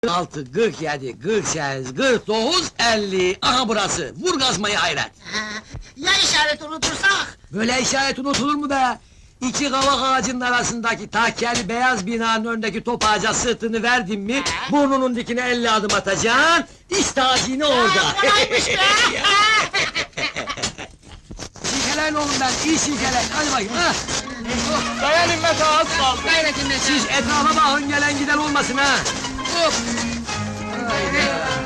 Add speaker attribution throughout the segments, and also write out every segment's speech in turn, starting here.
Speaker 1: 46, 47, 48, 49, 50. Aha burası. Vur gazmayı hayret.
Speaker 2: Ya işareti unutursak?
Speaker 1: Böyle işaret unutulur mu be? İki kavak ağacının arasındaki takkeli beyaz binanın önündeki top ağaca sırtını verdin mi... ...burnunun dikine 50 adım atacaksın... ...işte hazine orada.
Speaker 2: Kolaymış be!
Speaker 1: Silkeleyin oğlum ben, iyi silkeleyin, hadi bakayım ha!
Speaker 3: Dayan İmmet ağa, az kaldı.
Speaker 2: Gayret İmmet
Speaker 1: Siz etrafa bakın, gelen giden olmasın ha! Hop! Haydi!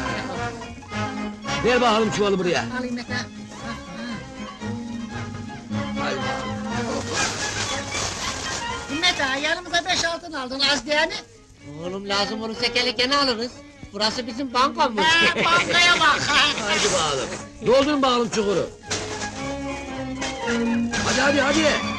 Speaker 1: Ver bakalım çuvalı buraya.
Speaker 2: Al İmmet ağa.
Speaker 1: Haydi.
Speaker 2: İmmet ağa, yanımıza 5 altın aldın, az değil mi?
Speaker 4: Oğlum lazım olursa gene alırız. Burası bizim bankamız.
Speaker 2: Bankaya bak!
Speaker 1: Haydi bakalım. Doldurun bakalım çukuru. Hadi.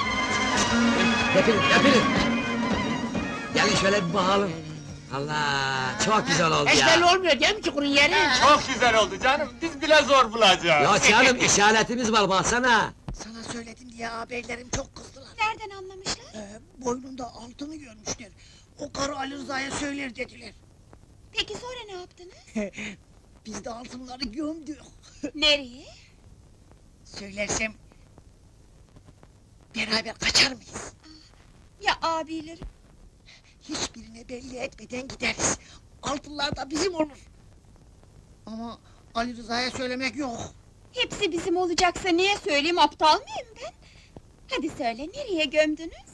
Speaker 1: Yapın. Gelin şöyle bir bakalım. Allah, çok güzel oldu
Speaker 4: Hiç
Speaker 1: ya.
Speaker 4: belli olmuyor değil mi çukurun yeri?
Speaker 3: Çok güzel oldu canım, biz bile zor bulacağız.
Speaker 1: Ya canım, işaretimiz var baksana.
Speaker 2: Sana söyledim diye ağabeylerim çok kızdılar.
Speaker 5: Nereden anlamışlar?
Speaker 2: Boynunda altını görmüşler. O karı Ali Rıza'ya söyler dediler.
Speaker 5: Peki sonra ne yaptınız?
Speaker 2: Biz de altınları gömdük.
Speaker 5: Nereye?
Speaker 2: Söylersem... ...beraber kaçar mıyız?
Speaker 5: Ya abilerim?
Speaker 2: Hiçbirine belli etmeden gideriz. Altınlar da bizim olur. Ama Ali Rıza'ya söylemek yok.
Speaker 5: Hepsi bizim olacaksa niye söyleyeyim, aptal mıyım ben? Hadi söyle, nereye gömdünüz?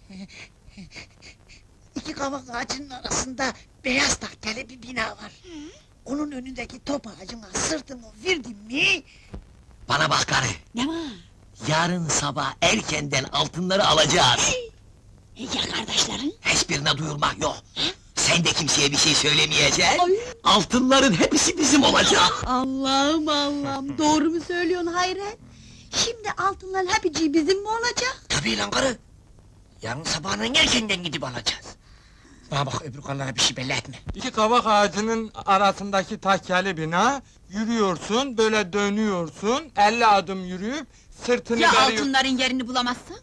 Speaker 2: İki kavak ağacının arasında beyaz tahteli bir bina var. Onun önündeki top ağacına sırtımı verdim mi...
Speaker 1: Bana bak karı,
Speaker 5: Ne var?
Speaker 1: yarın sabah erkenden altınları alacağız.
Speaker 5: Ya kardeşlerin?
Speaker 1: Hiçbirine duyurmak yok. Sen de kimseye bir şey söylemeyeceksin.
Speaker 5: Ay!
Speaker 1: Altınların hepsi bizim olacak.
Speaker 5: Allah'ım, doğru mu söylüyorsun Hayret? Şimdi altınların hepsi bizim mi olacak?
Speaker 4: Tabii lan karı. Yarın sabahın erkenden gidip alacağız. Bana bak öbür karılara bir şey belli etme.
Speaker 3: İki kavak ağacının arasındaki takyeli bina, yürüyorsun, böyle dönüyorsun, 50 adım yürüyüp, sırtını
Speaker 5: Ya
Speaker 3: veriyor...
Speaker 5: altınların yerini bulamazsan?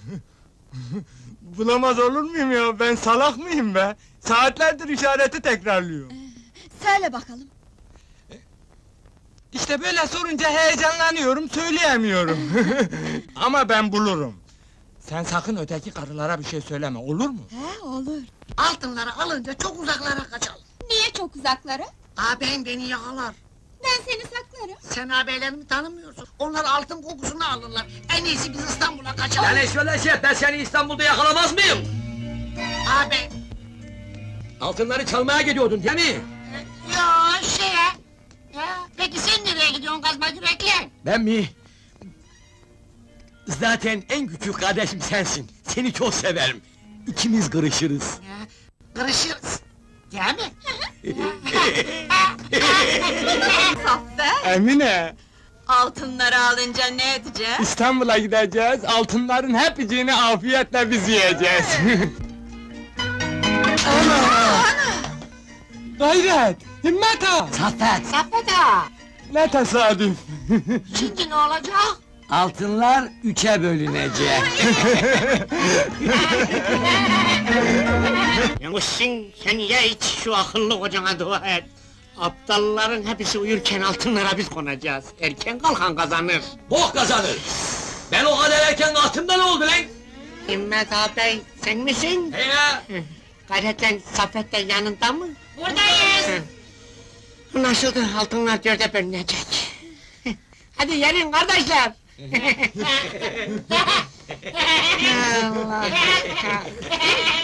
Speaker 3: Bulamaz olur muyum ya, ben salak mıyım be? Saatlerdir işareti tekrarlıyor.
Speaker 5: Söyle bakalım.
Speaker 3: İşte böyle sorunca heyecanlanıyorum, söyleyemiyorum. Ama ben bulurum. Sen sakın öteki karılara bir şey söyleme, olur mu?
Speaker 5: He, olur.
Speaker 2: ...altınları alınca çok uzaklara kaçalım.
Speaker 5: Niye çok uzaklara?
Speaker 2: Ağabeyim beni yakalar.
Speaker 5: Ben seni saklarım.
Speaker 2: Sen ağabeylerimi tanımıyorsun. Onlar altın kokusunu alırlar. En iyisi biz İstanbul'a kaçalım.
Speaker 1: Yani şöyle şey, ben seni İstanbul'da yakalamaz mıyım?
Speaker 2: Ağabey...
Speaker 1: Altınları çalmaya gidiyordun değil mi?
Speaker 2: ...Yo şeye... Peki sen nereye gidiyorsun kazma yürekli?
Speaker 1: Ben mi? Zaten en küçük kardeşim sensin. Seni çok severim. İkimiz kırışırız.
Speaker 2: Kırışırız. Değil mi?
Speaker 5: Zafer,
Speaker 3: Emine,
Speaker 5: altınları alınca ne edeceğiz?
Speaker 3: İstanbul'a gideceğiz, altınların hepsini afiyetle biz yiyeceğiz. Ana! Gayret! Himmet ağa!
Speaker 1: Saffet!
Speaker 2: Saffet ağa!
Speaker 3: Ne tesadüf!
Speaker 2: Şimdi ne olacak?
Speaker 1: Altınlar 3'e bölünecek.
Speaker 4: Yavuşsun sen ya hiç şu akıllı kocana dua et. Aptalların hepsi uyurken altınlara biz konacağız. Erken kalkan kazanır.
Speaker 1: Bok kazanır! Ben o kadar erken altında ne oldu lan?
Speaker 4: Himmet ağabey sen misin?
Speaker 1: He ya!
Speaker 4: Gayretle Saffet de yanında mı?
Speaker 2: Buradayız!
Speaker 4: Nasıldı altınlar dörde bölünecek. Hadi gelin kardeşler. Allah.